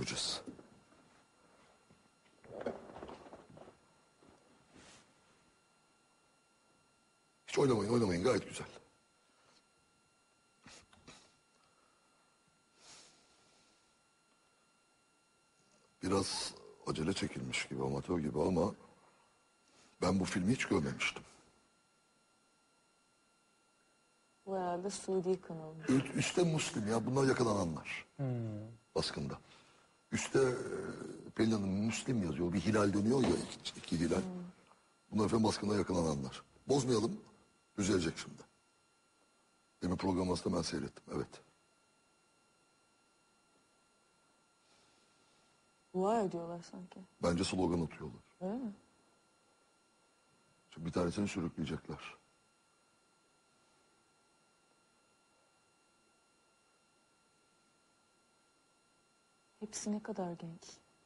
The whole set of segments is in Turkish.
göreceğiz. Hiç oynamayın gayet güzel. Biraz acele çekilmiş gibi, amatör gibi ama ben bu filmi hiç görmemiştim. Bu herhalde Suudi kanalı. Üste Müslim ya, bunlar yakalananlar. Baskında. Üste Pelin Hanım Müslim yazıyor. Bir hilal dönüyor ya, iki hilal. Bunlar efendim baskında yakalananlar. Bozmayalım, düzelecek şimdi. Demin program aslında ben seyrettim, evet. Dua ediyorlar sanki. Bence slogan atıyorlar. Öyle mi? Şimdi bir tanesini sürükleyecekler. Hepsi ne kadar genç.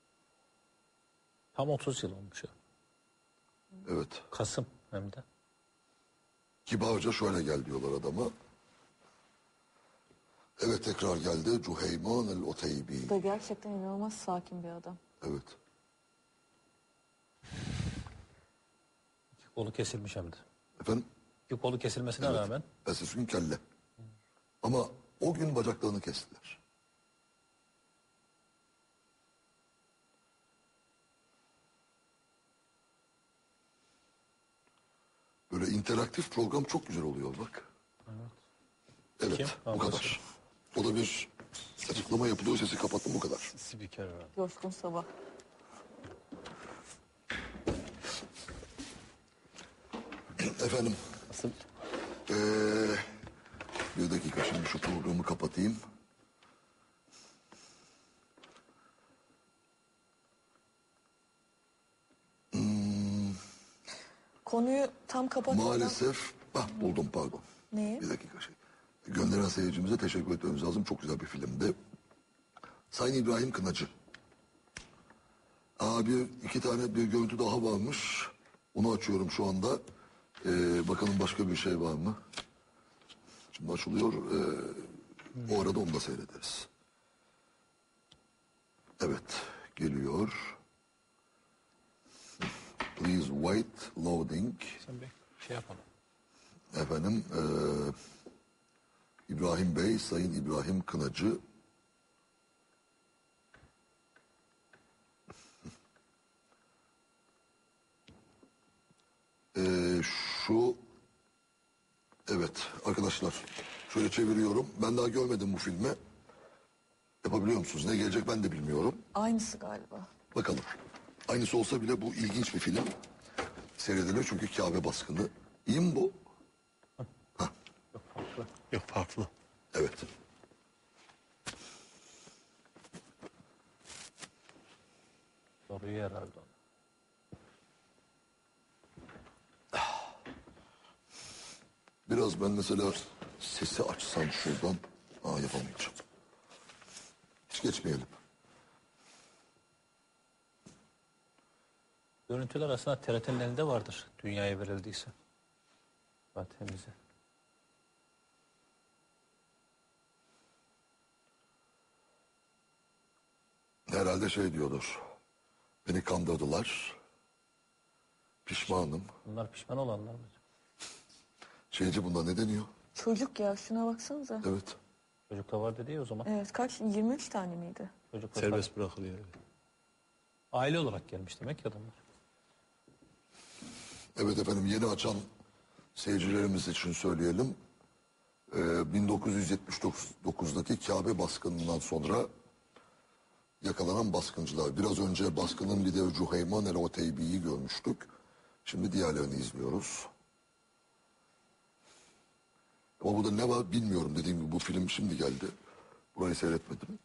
Tam 30 yıl olmuş ya. Evet. Kasım hem de. Kibarca şöyle gel diyorlar adama. Evet, tekrar geldi. Cüheyman el-Oteybi. Bu da gerçekten inanılmaz sakin bir adam. Evet. İki kolu kesilmiş hem de. Efendim? İki kolu kesilmesine Evet. rağmen. Ertesi gün kelle. Ama o gün bacaklarını kestiler. Böyle interaktif program çok güzel oluyor bak. Evet, Kim? bu Anlaşıldı. kadar. O da bir açıklama yapılıyor, sesi kapattım, bu kadar. Spiker var. Coşkun Sabah. Efendim, Nasıl? bir dakika şimdi şu programı kapatayım. Konuyu tam kapatmadan... Maalesef, buldum pardon. Neyi? Bir dakika gönderen seyircimize teşekkür etmemiz lazım. Çok güzel bir filmdi. Sayın İbrahim Kınacı. İki tane bir görüntü daha varmış. Onu açıyorum şu anda. Bakalım başka bir şey var mı? Şimdi açılıyor. O arada onu da seyrederiz. Evet, geliyor. Please wait, loading. Sen bir şey yapalım. Efendim, İbrahim Bey, Sayın İbrahim Kınacı. Evet arkadaşlar, şöyle çeviriyorum. Ben daha görmedim bu filmi. Yapabiliyor musunuz? Ne gelecek ben de bilmiyorum. Aynısı galiba. Bakalım. Aynısı olsa bile bu ilginç bir film. Seyredilir çünkü Kabe baskını. İyi mi bu? Yok farklı. Evet. Soruyu herhalde. Biraz ben mesela sesi açsam şuradan. Yapamayacağım. Hiç geçmeyelim. Görüntüler aslında TRT'nin elinde vardır. Dünyaya verildiyse. Zaten bize. Herhalde şey diyordur. Beni kandırdılar. Pişmanım. Bunlar pişman olanlar mı? Şeyci bunda ne deniyor? Çocuk ya, şuna baksanıza. Evet. Çocuk da var dedi ya o zaman. Evet, kaç? 23 tane miydi? Çocuk da Serbest bırakılıyor. aile olarak gelmiş demek ki adamlar. Evet efendim, yeni açan seyircilerimiz için söyleyelim. 1979'daki Kabe baskınından sonra yakalanan baskıncılar. Biraz önce baskının lideri Cüheyman el-Oteybi'yi görmüştük. Şimdi diğerlerini izliyoruz. Ama burada ne var bilmiyorum. Dediğim gibi bu film şimdi geldi. Burayı seyretmedim.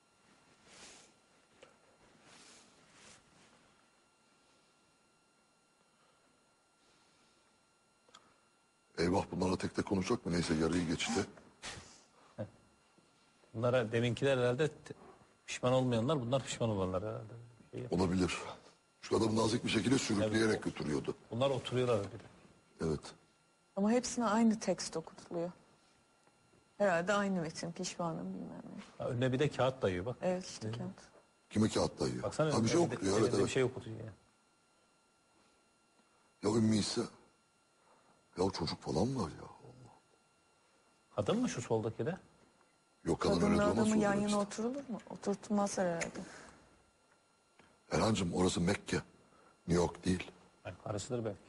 Eyvah, bunlarla tek tek konuşacak mı? Neyse, yarıyı geçti. Bunlara deminkiler herhalde pişman olmayanlar, bunlar pişman olanlar herhalde. Olabilir. Şu adamı nazik bir şekilde sürükleyerek götürüyordu. Bunlar oturuyorlar bir de. Evet. Ama hepsine aynı tekst okutuluyor. Herhalde aynı metin, pişmanım bilmem ne. Ha, önüne bir de kağıt dayıyor bak. Evet işte kağıt. Kime kağıt dayıyor? Baksana Ha, bir şey elinde- okutuyor, evet elinde evet. bir şey okutuyor ya. Ya Ümmü ise. Ya çocuk falan var ya. Kadın mı şu soldaki de? Yok kadın öyle Kadınla durmaz. adamı yan sonra yana işte. oturulur mu? Oturtmaz herhalde. Erhan'cığım orası Mekke. New York değil. Yani karısıdır belki.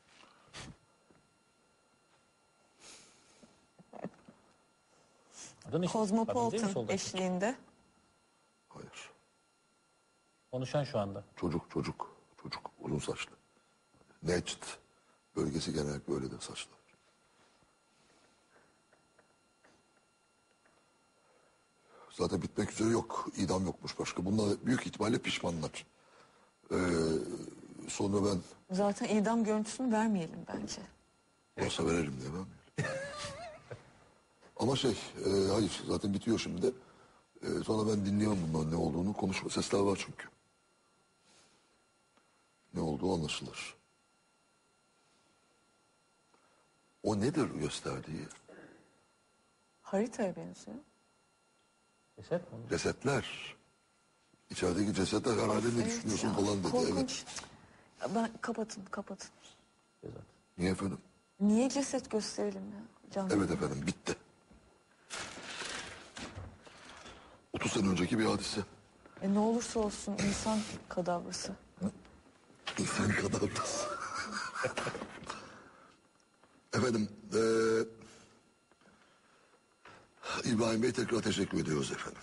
Kadın işte. Kadın değil mi Kozmopolitan soldaki? eşliğinde. Hayır. Konuşan şu anda. Çocuk. Uzun saçlı. Necd bölgesi genellikle öyle de saçlı. Zaten bitmek üzere yok. İdam yokmuş başka. Bunlar büyük ihtimalle pişmanlar. Sonra ben Zaten idam görüntüsünü vermeyelim bence. olsa verelim diye ben. Ama hayır zaten bitiyor şimdi. Sonra ben dinliyorum bunların ne olduğunu. Konuşma sesler var çünkü. Ne olduğu anlaşılır. O nedir gösterdiği? Haritaya benziyor. Ceset mi? Cesetler. İçerideki cesetler herhalde ne düşünüyorsun ya, falan dedi. korkunç. Evet. Ben kapatın. Ceset. Niye efendim? Niye ceset gösterelim ya? Canlı. Evet efendim bitti. 30 sene önceki bir hadise. Ne olursa olsun insan kadavrası. İnsan kadar da. Efendim, İbrahim Bey tekrar teşekkür ediyoruz efendim.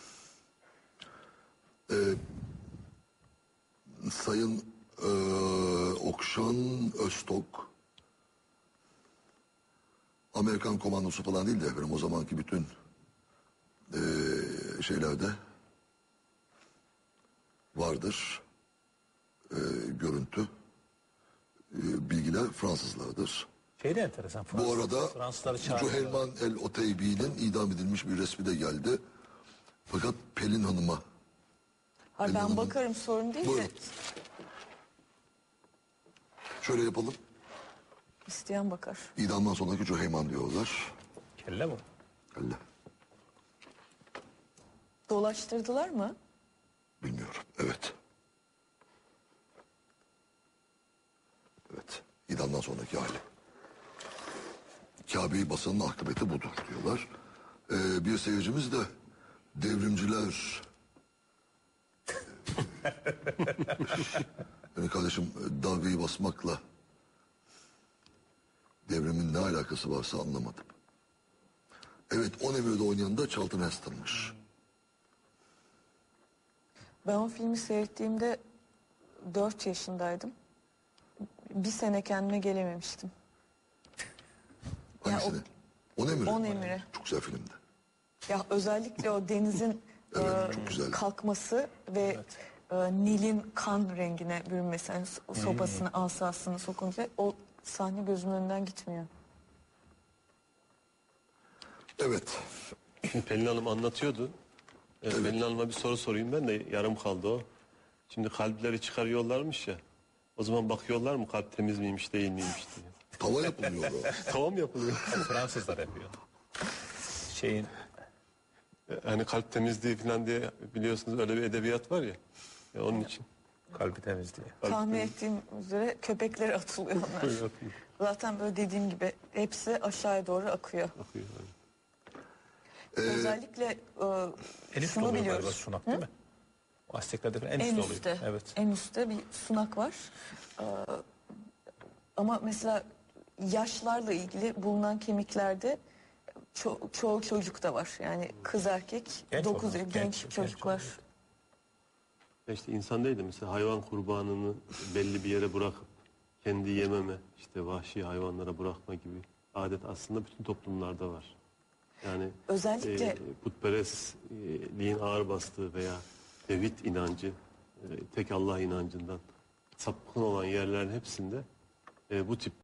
Sayın Okşan Öztok, Amerikan komandosu falan değil de efendim o zamanki bütün şeylerde vardır. Görüntü, bilgiler Fransızlardır. Şey de enteresan. Bu arada Fransızları çağırıyor. Cühelman el Oteybi'nin idam edilmiş bir resmi de geldi. Fakat Pelin Hanım'a Ha, ben Hanım. bakarım sorun değil Buyurun. de şöyle yapalım. isteyen bakar. İdamdan sonraki Cüheyman diyorlar. Kelle bu. Allah Dolaştırdılar mı? bilmiyorum. Evet. Evet. İdamdan sonraki hali. Kabe'yi basanın akıbeti budur diyorlar. Bir seyircimiz de devrimciler yani kardeşim dalgayı basmakla devrimin ne alakası varsa anlamadım. Evet, On Emir'de oynayan da Charlton Heston'mış. Ben o filmi seyrettiğimde 4 yaşındaydım. Bir sene kendime gelememiştim. Ya Hangisini? On Emir. On Emir'i. Çok güzel filmdi. Ya özellikle o denizin Evet, çok güzel. kalkması ve Nil'in kan rengine bürünmesi. Yani sopasını, asasını sokunca o sahne gözümün önünden gitmiyor. Evet. Şimdi Pelin Hanım anlatıyordu. Pelin Hanım'a bir soru sorayım ben de yarım kaldı o. Şimdi kalpleri çıkarıyorlarmış ya. O zaman bakıyorlar mı kalp temiz miymiş değil miymiş diye. Tava yapılıyor o. Tamam yapılıyor. Fransızlar yapıyor. Şeyin Hani kalp temizliği falan diye biliyorsunuz öyle bir edebiyat var ya. Onun için. kalbi temiz diye. Tahmin ettiğim üzere köpeklere atılıyor onlar. Atılıyor. Zaten böyle dediğim gibi hepsi aşağıya doğru akıyor. Bakıyor yani. Özellikle En üstte şunu oluyor galiba biliyoruz. sunak değil mi? O Azteklerde falan en En üstte üstte. oluyor. Evet. En üstte bir sunak var. Ama mesela yaşlarla ilgili bulunan kemiklerde çoğu çocuk da var. Yani kız erkek, Genç 9 olan, genç genç çocuklar. olan. Ya İşte insan değil de mesela hayvan kurbanını belli bir yere bırakıp kendi yememe, işte vahşi hayvanlara bırakma gibi adet aslında bütün toplumlarda var. Yani Özellikle putperestliğin ağır bastığı veya tevhid inancı, tek Allah inancından sapkın olan yerlerin hepsinde bu tip